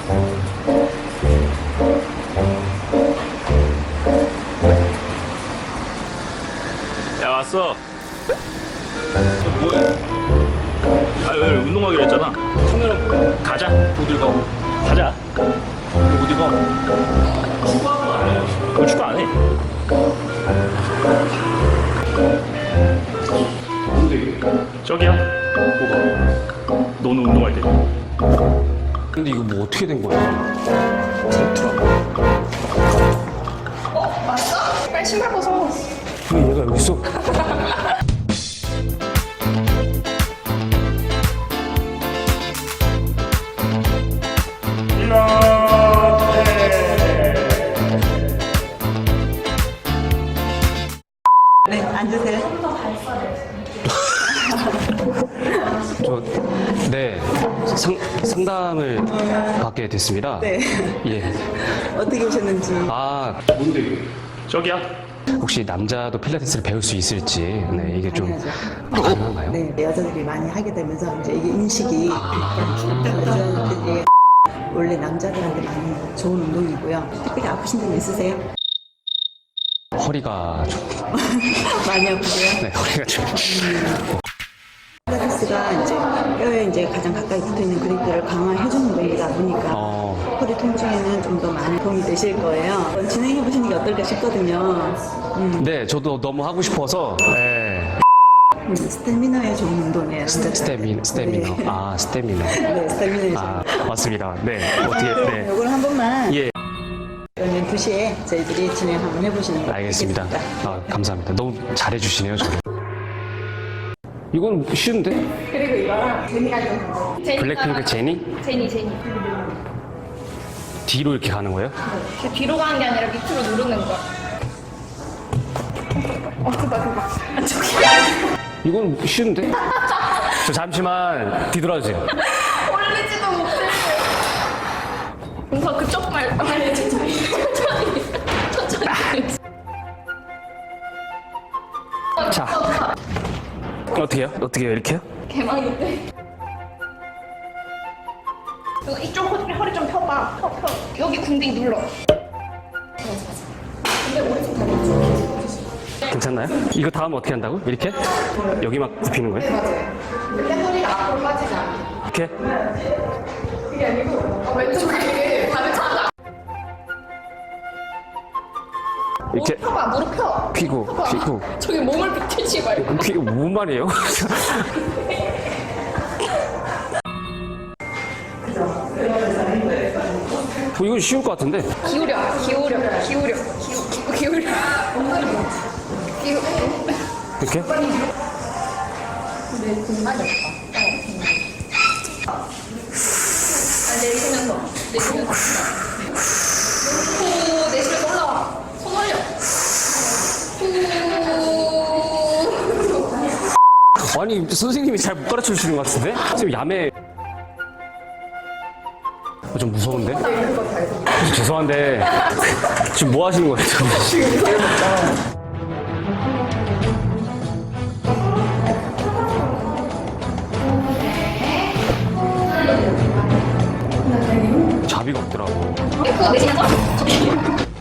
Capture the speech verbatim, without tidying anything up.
야, 왔어. 뭐해? 아, 왜 운동하기로 했잖아. 카메라 가자. 어딜 가? 가자. 어디 가? 축구하는 거 안 해. 왜 축구 안 해? 저기야. 뭐가? 너는 운동할 때. 근데 이거 뭐 어떻게 된 거야? 어, 맞어? 빨리 신발 벗어. 왜 얘가 여기 있어? 네, 앉으세요. 저, 네, 상, 상담을 받게 됐습니다. 네. 예. 어떻게 오셨는지. 아, 뭔데 이게? 저기야. 혹시 남자도 필라테스를 배울 수 있을지, 네, 이게 좀 당연하죠. 가능한가요? 네, 여자들이 많이 하게 되면서 이제 이게 인식이 아. 여자들이 원래 남자들한테 많이 좋은 운동이고요. 특별히 아프신 분 있으세요? 허리가 좀, 많이 아프세요? 네, 허리가 좀. 필라테스가 이제 뼈에 이제 가장 가까이 붙어 있는 근육들을 강화해주는 운동이다 보니까 어, 허리 통증에는 좀 더 많이 도움이 되실 거예요. 한번 진행해 보시는 게 어떨까 싶거든요. 음, 네, 저도 너무 하고 싶어서, 네. 음, 스태미너에 좋은 운동이에요. 스테, 스테미, 스테미너. 네. 아, 스테미너. 네, 스태미너에 좋은. 아, 맞습니다. 네, 어떻게, 네. 이걸 한 번만 예, 그러면 두 시에 저희들이 진행 한번 해보시는 거 알겠습니다. 있겠습니다. 아, 감사합니다. 너무 잘해주시네요, 저를. 이건 쉬운데? 그리고 이거랑 제니가 좀. 블랙핑크 제니? 제니, 제니. 뒤로 이렇게 가는 거예요? 이렇게 뒤로 가는 게 아니라 밑으로 누르는 거야. 어, 그봐, 그봐. 아, 저기. 이건 쉬운데? 저 잠시만 뒤돌아주세요. 올리지도 못해. 뭔가 그쪽 말, 아니, 천천히. 천천히. 천천히. 자, 어떻게요? 어떻게요? 이렇게요? 개망인데. 이거 이쪽 허리, 허리 좀 펴봐. 펴, 펴. 여기 궁디 눌러. 근데 오른쪽 다리. 괜찮나요? 이거 다음 어떻게 한다고? 이렇게? 여기 막 굽히는 거예요? 맞아요. 근데 허리가 앞으로 빠지지 않게. 이렇게? 그게 아니고 어, 왼쪽에 발을 차자. 이렇게 무릎 펴봐. 무릎 펴. 펴고, 펴봐. 펴고. 저기 몸을 비틀지 말고. 그게 뭔 말이에요? 어, 이건 쉬울 것 같은데? 기울여. 기울여. 기울여. 기우, 기우, 기울여. 기우. 이렇게? 내 공간이 없다. 어. 아, 내쉬면서. 내쉬면서. 후, 내쉬면서 올라와. 손 올려. 후. 아니, 선생님이 잘 못 가르쳐 주시는 것 같은데? 지금 야매. 어, 좀 무서운데? 죄송한데, 지금 뭐 하시는 거예요? 자비가 없더라고. 그거 내쉬면서.